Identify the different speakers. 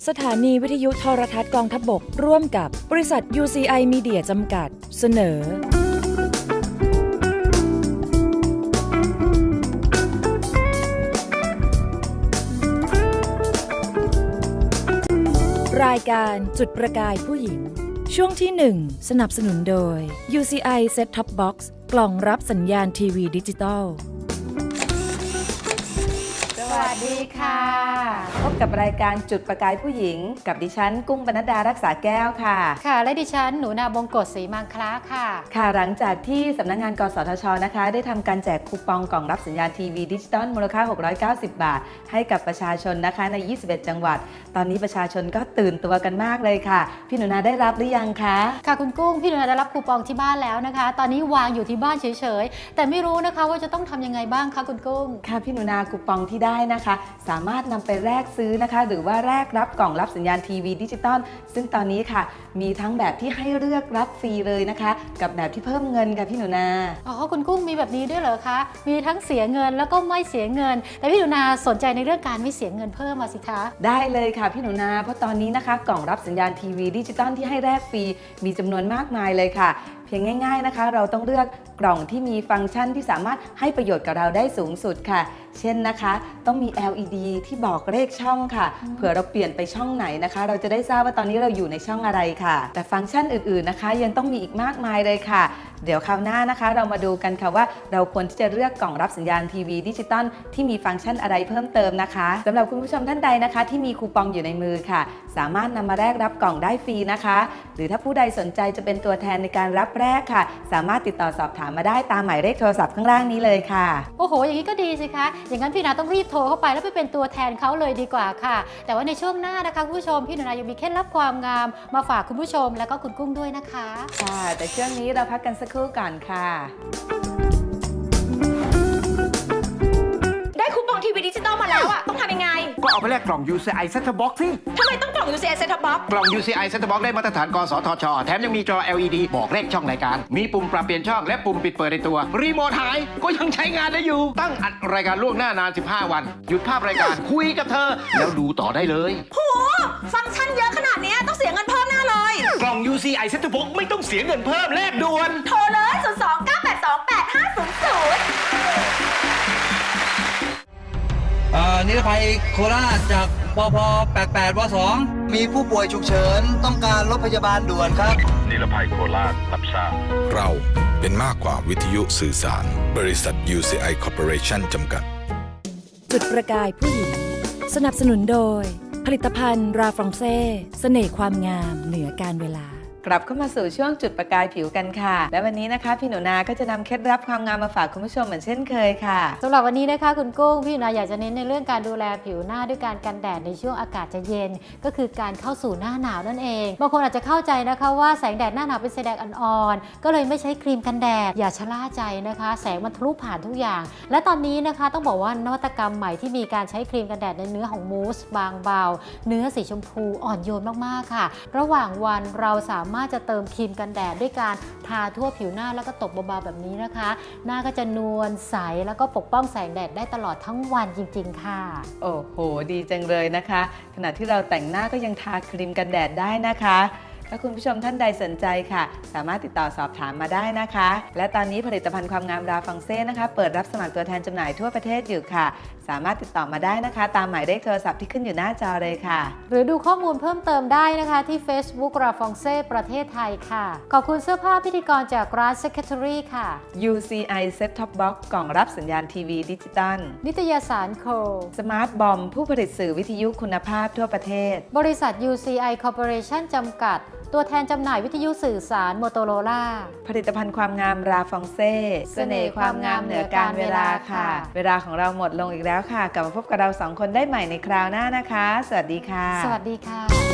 Speaker 1: สถานีวิทยุโทรทัศน์กองทัพบกร่วมกับบริษัท UCI Media จำกัดเสนอรายการจุดประกายผู้หญิงช่วงที่ 1 สนับสนุนโดย UCI Set Top Box กล่องรับสัญญาณทีวีดิจิตอล
Speaker 2: สวัสดีค่ะพบกับรายการจุดประกายผู้หญิงกับดิฉันกุ้งปนัดดารักษาแก้วค่ะ
Speaker 3: ค่ะและดิฉันหนูนาบงกฎศรีมังคลาค่ะ
Speaker 2: ค่ะหลังจากที่สำนักงานกสทชนะคะได้ทำการแจกคูปองกล่องรับสัญญาณทีวีดิจิตอลมูลค่า690 บาทให้กับประชาชนนะคะใน21จังหวัดตอนนี้ประชาชนก็ตื่นตัวกันมากเลยค่ะพี่หนูนาได้รับหรือยังคะ
Speaker 3: ค่ะคุณกุ้งพี่หนูนาได้รับคูปองที่บ้านแล้วนะคะตอนนี้วางอยู่ที่บ้านเฉยๆแต่ไม่รู้นะคะว่าจะต้องทำยังไงบ้างคะคุณกุ้ง
Speaker 2: ค่ะพี่หนูนาคูปองที่ได้นะคะสามารถนำไปแลกซื้อนะคะหรือว่าแลกรับกล่องรับสัญญาณทีวีดิจิตอลซึ่งตอนนี้ค่ะมีทั้งแบบที่ให้เลือกรับฟรีเลยนะคะกับแบบที่เพิ่มเงินค่ะพี่หนูนา
Speaker 3: อ๋อคุณกุ้งมีแบบนี้ด้วยเหรอคะมีทั้งเสียเงินแล้วก็ไม่เสียเงินแต่พี่หนูนาสนใจในเรื่องการไม่เสียเงินเพิ่มมาสิคะ
Speaker 2: ได้เลยค่ะพี่หนูนาเพราะตอนนี้นะคะกล่องรับสัญญาณทีวีดิจิตอลที่ให้แลกฟรีมีจำนวนมากมายเลยค่ะเพียงง่ายๆนะคะเราต้องเลือกกล่องที่มีฟังก์ชันที่สามารถให้ประโยชน์กับเราได้สูงสุดค่ะเช่นนะคะต้องมี LED ที่บอกเลขช่องค่ะเผื่อเราเปลี่ยนไปช่องไหนนะคะเราจะได้ทราบว่าตอนนี้เราอยู่ในช่องอะไรค่ะแต่ฟังก์ชันอื่นๆนะคะยังต้องมีอีกมากมายเลยค่ะเดี๋ยวคราวหน้านะคะเรามาดูกันค่ะว่าเราควรที่จะเลือกกล่องรับสัญญาณทีวีดิจิตอลที่มีฟังก์ชันอะไรเพิ่มเติมนะคะสำหรับคุณผู้ชมท่านใดนะคะที่มีคูปองอยู่ในมือค่ะสามารถนำมาแลกรับกล่องได้ฟรีนะคะหรือถ้าผู้ใดสนใจจะเป็นตัวแทนในการรับแลกค่ะสามารถติดต่อสอบถามมาได้ตามหมายเลขโทรศัพท์ข้างล่างนี้เลยค่ะ
Speaker 3: โอ้โหอย่างนี้ก็ดีสิคะอย่างนั้นพี่นาต้องรีบโทรเข้าไปแล้วไปเป็นตัวแทนเขาเลยดีกว่าค่ะแต่ว่าในช่วงหน้านะคะคุณผู้ชมพี่หนูนายังมีเคล็ดลับความงามมาฝากคุณผู้ชมแล้วก็คุณกุ้งด้วยนะคะ
Speaker 2: ค่ะแต่ช่วงนี้เราพักกันสักครู่ก่อนค่ะ
Speaker 4: ได้คูปองทีวีดิจิตอลมาแล้วอะต้องทำยังไง
Speaker 5: ก็เอาไปแลกกล่อง UCI Set-top Box สิ
Speaker 4: ทำไมต้องกล่อง UCI Set-top Box
Speaker 5: กล่อง UCI Set-top Box ได้มาตรฐานกสทชแถมยังมีจอ LED บอกเลขช่องรายการมีปุ่มปรับเปลี่ยนช่องและปุ่มปิดเปิดในตัวรีโมทหายก็ยังใช้งานได้อยู่ตั้งอัดรายการล่วงหน้านาน15 วันหยุดภาพรายการคุยกับเธอแล้วดูต่อได้เลย
Speaker 4: โหฟังก์ชันเยอะขนาดนี้ต้องเสียเงินเพิ่มแน่เลย
Speaker 5: กล่อง UCI Set-top Box ไม่ต้องเสียเงินเพิ่มแลกด่วน
Speaker 4: โทรเลย02-982-8500
Speaker 6: นิรภัยโคราชจากปพ88ว2มีผู้ป่วยฉุกเฉินต้องการรถพยาบาลด่วนครับ
Speaker 7: นิรภัยโคราชรับทราบ
Speaker 8: เราเป็นมากกว่าวิทยุสื่อสารบริษัท UCI Corporation จำกัด
Speaker 1: จุดประกายผู้หญิงสนับสนุนโดยผลิตภัณฑ์ราฟรองเซ่เสน่ห์ความงามเหนือการเวลาก
Speaker 2: ลับเข้ามาสู่ช่วงจุดประกายผิวกันค่ะและวันนี้นะคะพี่หนูนาก็จะนำเคล็ดลับความงามมาฝากคุณผู้ชมเหมือนเช่นเคยค่ะ
Speaker 3: สำหรับวันนี้นะคะคุณกุ้งพี่หนูนาอยากจะเน้นในเรื่องการดูแลผิวหน้าด้วยการกันแดดในช่วงอากาศจะเย็นก็คือการเข้าสู่หน้าหนาวนั่นเองบางคนอาจจะเข้าใจนะคะว่าแสงแดดหน้าหนาวเป็นแสงแดดอ่อนๆก็เลยไม่ใช้ครีมกันแดดอย่าชะล่าใจนะคะแสงมันทะลุผ่านทุกอย่างและตอนนี้นะคะต้องบอกว่านวัตกรรมใหม่ที่มีการใช้ครีมกันแดดในเนื้อของมูสบางเบาเนื้อสีชมพูอ่อนโยนมากๆค่ะระหว่างวันเราสามารถจะเติมครีมกันแดดด้วยการทาทั่วผิวหน้าแล้วก็ตบเบาๆแบบนี้นะคะหน้าก็จะนวลใสแล้วก็ปกป้องแสงแดดได้ตลอดทั้งวันจริงๆค่ะ
Speaker 2: โอ้โหดีจังเลยนะคะขณะที่เราแต่งหน้าก็ยังทาครีมกันแดดได้นะคะถ้าคุณผู้ชมท่านใดสนใจค่ะสามารถติดต่อสอบถามมาได้นะคะและตอนนี้ผลิตภัณฑ์ความงามราฟองเซ่นะคะเปิดรับสมัครตัวแทนจำหน่ายทั่วประเทศอยู่ค่ะสามารถติดต่อมาได้นะคะตามหมายเลขโทรศัพท์ที่ขึ้นอยู่หน้าจอเลยค่ะ
Speaker 3: หรือดูข้อมูลเพิ่มเติมได้นะคะที่ Facebook ราฟองเซ่ประเทศไทยค่ะขอบคุณเสื้อผ้าพิธีกรจากร้าน Secretary ค่ะ
Speaker 2: UCI Set-top Box กล่องรับสัญญาณทีวีดิจิตอล
Speaker 3: นิตยสารโค
Speaker 2: Smart Bomb ผู้ผลิตสื่อวิทยุคุณภาพทั่วประเทศ
Speaker 3: บริษัท UCI Corporation จำกัดตัวแทนจำหน่ายวิทยุสื่อสารโมโตโรล่า
Speaker 2: ผลิตภัณฑ์ความงามราฟองเซ่เสน่ห์ความงามเหนือการเวลาค่ะเวลาของเราหมดลงอีกแล้วค่ะกลับมาพบกับเรา2คนได้ใหม่ในคราวหน้านะคะสวัสดีค่ะ
Speaker 3: สวัสดีค่ะ